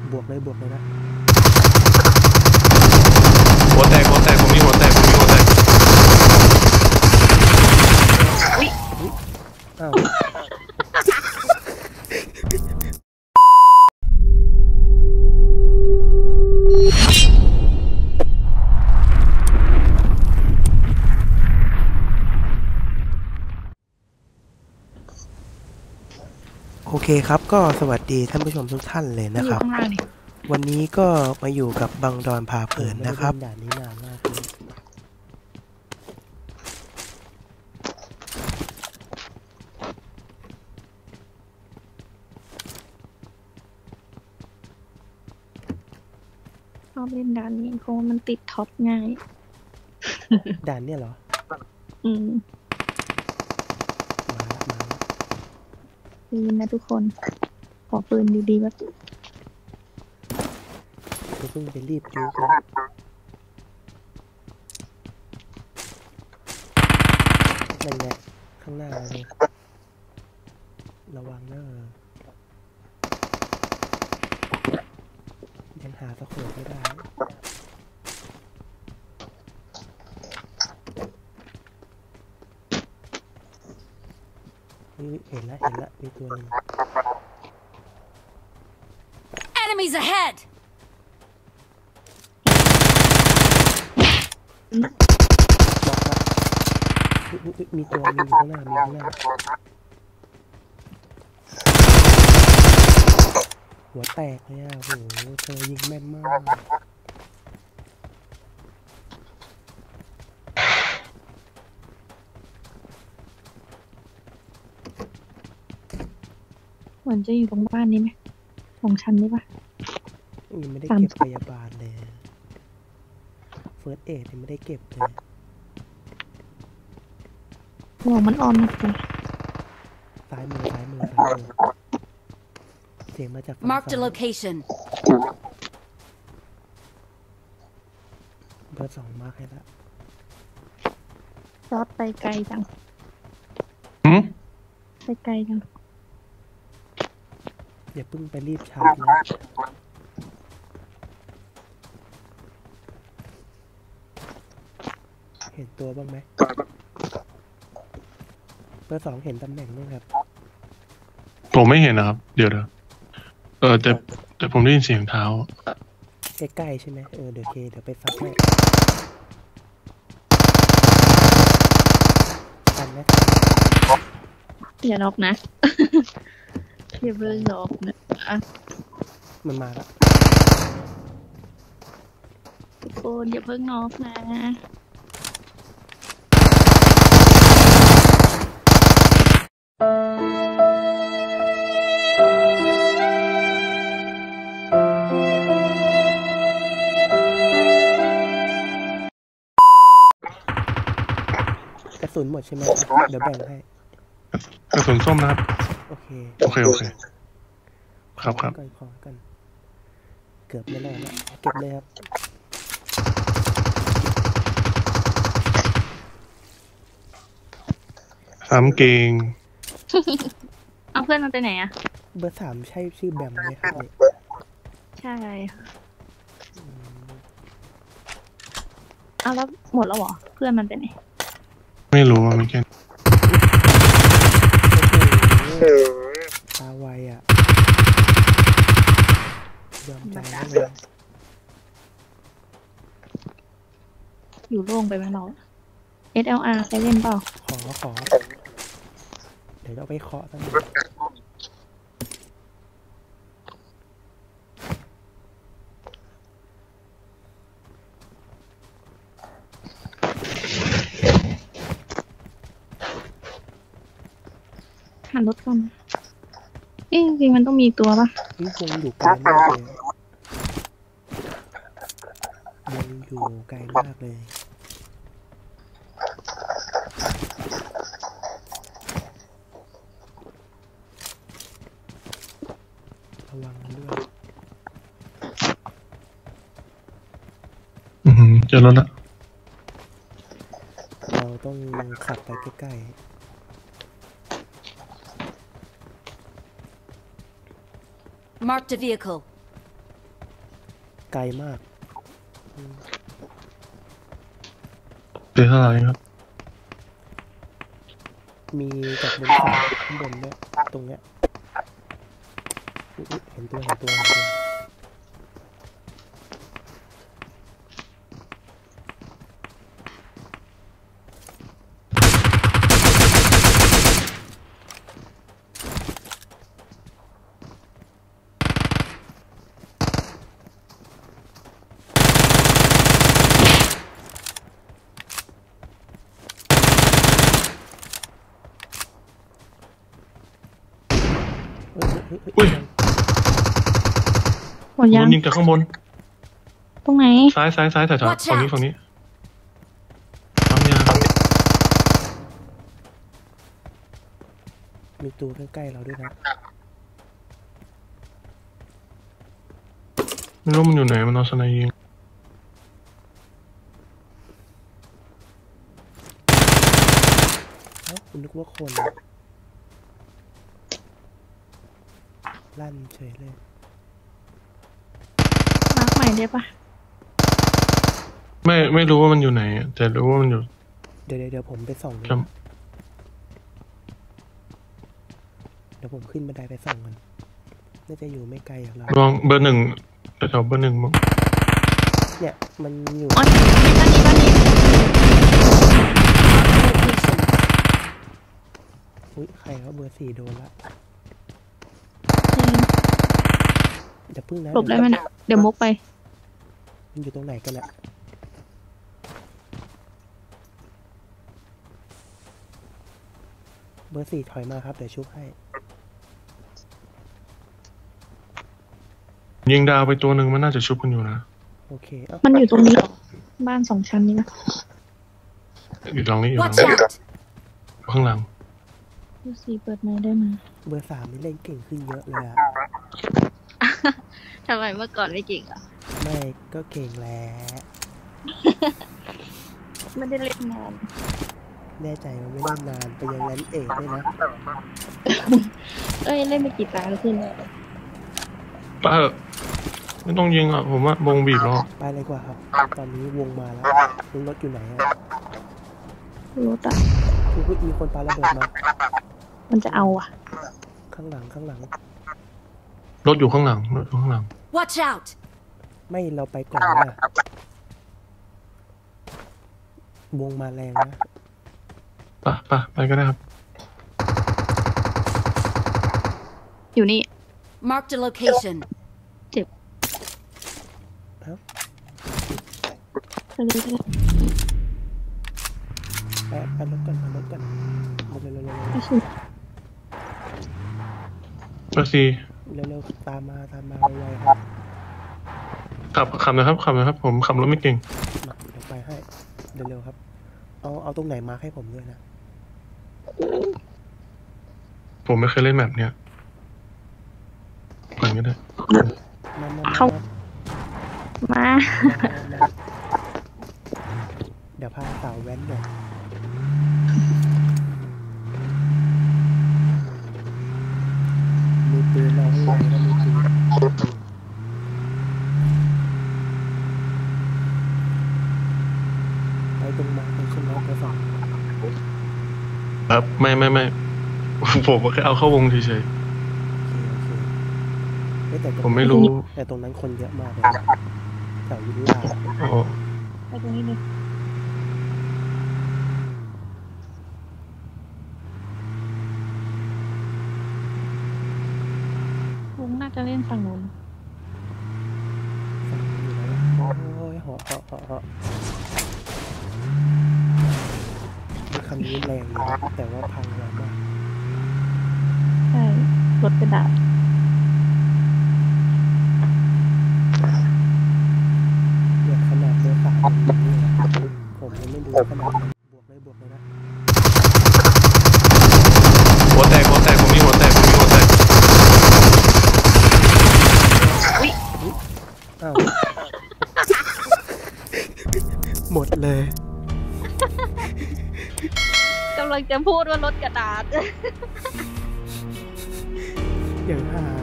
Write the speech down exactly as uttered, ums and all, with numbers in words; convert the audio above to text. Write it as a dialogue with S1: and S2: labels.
S1: บวกเลยบวกเลยนะ
S2: หัวแตกหัวแตกผมมีหัวแตกผมมีหัวแตก
S1: อ้าวโอเคครับก็สวัสดีท่านผู้ชมทุกท่านเลยนะครับวันนี้ก็มาอยู่กับบังดอนพาเพลินนะครับด่านนี้นานมากเลย
S3: ชอบเล่นด่านนี้เพราะมันติดท็อปง่าย
S1: ด่านเนี่ยเหรอ
S3: อืม
S1: มาละมาละ
S3: ปืนนะทุกคนขอปืนดีๆแบบ
S1: จะเพิ่งไปรีบดูนั่นแหละข้างหน้าเลยระวังเนอะยังหาตะโขบไม่ได้เห็นแล้วเห็นแล้วมีตัวนึง
S4: Enemies ahead
S1: มีตัวมีอยู่ข้างหน้ามีข้างหน้าหัวแตกเลยอ่ะโหเธอยิงแม่นมาก
S3: เหมือนจะอยู่ตรงบ้านนี้ไหมของฉันนี่ปะ
S1: ยังไม่ได้เก็บพยาบาลเลยเฟิร์สเอดยังไม่ได้เก็บเลย
S3: หัวมันออมนะจ๊ะ
S1: ซ้ายมือซ้ายมือซ้ายมือเสียงมาจากฝั่งซ้าย
S4: Mark the location
S1: เบอร์สองมาร์คให้ละ
S3: จอดไปไกลจังไปไกลจัง
S1: อย่าเพิ่งไปรีบชาร์จนะเห็นตัวบ้างไหมเบอร์สองเห็นตำแหน่งไหมครับ
S2: ผมไม่เห็นนะครับเดี๋ยวเดี๋ยวเออแต่แต่ผมได้ยินเสียงเท้า
S1: ใกล้ๆใช่ไหมเออเดี๋ยวเคเดี๋ยวไปซักให้ทันไหม
S3: อย่าล็อกนะอย่าเพิ่งล็อกนะอ่ะ
S1: มันมาแล้ว
S3: ทุกคนอย่าเพิ่งล็อกนะ
S1: กระสุนหมดใช่ไหมเดี๋ยวแบ่งให้
S2: กระสุนส้มนะครับ
S1: โอเค
S2: โอเคโอเคครับครับ
S1: ก่อนขอกันเกือบไม่รอดแล้วเก็บเลยครับ
S2: สามเกง
S3: เอาเพื่อนมันไปไหนอะ
S1: เบอร์สามใช่ชื่อแบมไหมครับ
S3: ใช่เอาแล้วหมดแล้วเหรอเพื่อนมันไปไหน
S2: ไม่รู้ว่าไม่แค่
S1: ตาไวอ่ะยอมใจได้เลย
S3: อยู่โล่งไปไหมเรา เอส แอล อาร์ ใช้เล่นเปล่า
S1: ขอขอเดี๋ยวเราไปเคาะตั้ง
S3: หันรถก่อนเอ๊ะจริงๆมันต้องมีตัวปะ
S1: นี่วงอยู่ไกลมากเลยวงอยู่ไกลมากเลยระวังด้วย
S2: อืมเจอรถละ
S1: เราต้องขับไปใกล้ๆ
S4: Marked a vehicle
S1: ไกลมากอืม
S2: เจอเท่าไหร่ครับ
S1: มีจากบนเขาข้างบนด้วยตรงเนี้ยอุ๊ยเห็นตัวเห็นตัวเห็นตัวเฮ้ยเฮ้ยเฮ้ย
S2: อุ้ย
S3: หมดยัง
S2: มันยิงจากข้างบน
S3: ตรงไหน
S2: ซ้ายซ้ายซ้ายแถว
S4: Watch
S2: ๆฝั่งนี้
S4: out
S2: ฝั่งนี้ปั๊มยา
S1: มีตัวใกล้ๆเราด้วยนะ
S2: ไม่รู้มันอยู่ไหนมันนอนสไนยิง
S1: เอ้าคุณนึกว่าคน ลั่นเฉยเลย
S3: มาร์คใหม่ได้ปะ
S2: ไม่ไม่รู้ว่ามันอยู่ไหนอะแต่รู้ว่ามันอยู่
S1: เดี๋ยวเดี๋ยวเดี๋ยวผมไปส่องดู
S2: จ
S1: เดี๋ยวผมขึ้นบันไดไปส่องกันน่าจะอยู่ไม่ไกลจากเรา
S2: ำลองเบอร์หนึ่งแถวๆเบอร์หนึ่งมั้ง
S1: เนี่ยมันอยู่
S3: อ๋อบ้านนี้บ้านนี้
S1: อุ้ยใครเขาเบอร์สี่โดนละอย่าพึ่งนะ
S3: หลบได้ไหมเนี่ยเดี๋ยวมุกไป
S1: มันอยู่ตรงไหนกันอะเบอร์สี่ถอยมาครับเดี๋ยวชุบให้
S2: ยิงดาวไปตัวหนึ่งมันน่าจะชุบกันอยู่นะ
S1: โอเคเอ้า
S3: มันอยู่ตรงนี้เหรอบ้านสองชั้นนี้นะ
S2: อยู่ตรงนี้อยู่ตรง
S4: Watch
S2: นี้
S4: out!
S2: ข้างหลัง
S3: ดูสิเปิดไม้ได้ไหม
S1: เบอร์สามนี่เล่นเก่งขึ้นเยอะเลยอะ
S3: ทำไมเมื่อก่อนไม่เก่งอ่ะ
S1: ไม่ก็เก่งแล้ว
S3: ไม่ได้เล่นนาน
S1: แน่ใจว่าไม่เล่นนานไปยังแรนเอกด้วยนะ
S3: เอ้ยเล่นไปกี่ตาแล้วขึ้นเลย
S2: ป้าเถอะไม่ต้องยิงอ่ะผมว่าวงบีบแล้ว
S1: ไปเลยกว่าครับ ตอนนี้วงมาแล้วคุณรถอยู่ไหนอะ
S3: รู้แต่
S1: คือมีคนปาระเบิดมา
S3: มันจะเอาอ่ะ
S1: ข้างหลังข้างหลัง
S2: รถอยู่ข้างหลังรถอยู่ข้างหลัง
S4: Watch out!
S1: ไม่เราไปก่อนนะวงมาแรงนะ
S2: ป่ะป่ะไปก็ได้ครับ
S3: อยู่นี่
S4: Marked a location.
S3: ไปเลยไปเลย
S1: ไปไปรถกันไปรถกันเร็วเร็วเร็ว
S3: ไปสิ
S2: เบอร์สี่
S1: เร็วเร็วตามมาตามมาไวๆครับ
S2: ขับขับนะครับขับนะครับ ผมขับรถไม่เก่ง
S1: มาเดี๋ยวไปให้เร็วๆครับ เอาเอาตรงไหนมาให้ผมด้วยนะ
S2: ผมไม่เคยเล่นแบบเนี้ยก่อนก็ได้
S1: มามา
S3: เข้า
S1: มา
S3: มา
S1: เดี๋ยวพาสาวแว้นหน่อยมีปืนเราให้ไวแล้วมีปืนไปตรงมาไปขึ้นรถไปฝั่ง
S2: ครับไม่ไม่ไม่ ผมแค่เอาเข้าวงเฉย
S1: โอเคโอเคเฮ้ยแต่ตรง
S2: ๆผมไม่รู้
S1: แต่ตรงนั้นคนเยอะมากเลยนะแถวยุลา
S2: อ๋อ
S3: ไปตรงนี้เลยวงน่าจะเล่นฝั่งนู้น
S1: ฝั่งนู้นอยู่แล้วล่ะโอ้ยเหาะเหาะเหาะเหาะรถคันนี้แรงอยู่นะแต่ว่าพังแรงมาก
S3: ใช่รถกระดาษ
S1: เนี่ยขนาดเบอร์สามมันอย่างนี้นะผมยังไม่ดูขนาดมันบวกเลยบวกเลยนะ
S2: หัวแตกหัวแตกผมมีหัวแตกผมมีหัวแตก
S1: อ้าว หมดเลย
S3: กำลังจะพูดว่ารถกระดาษ
S1: อย่างหา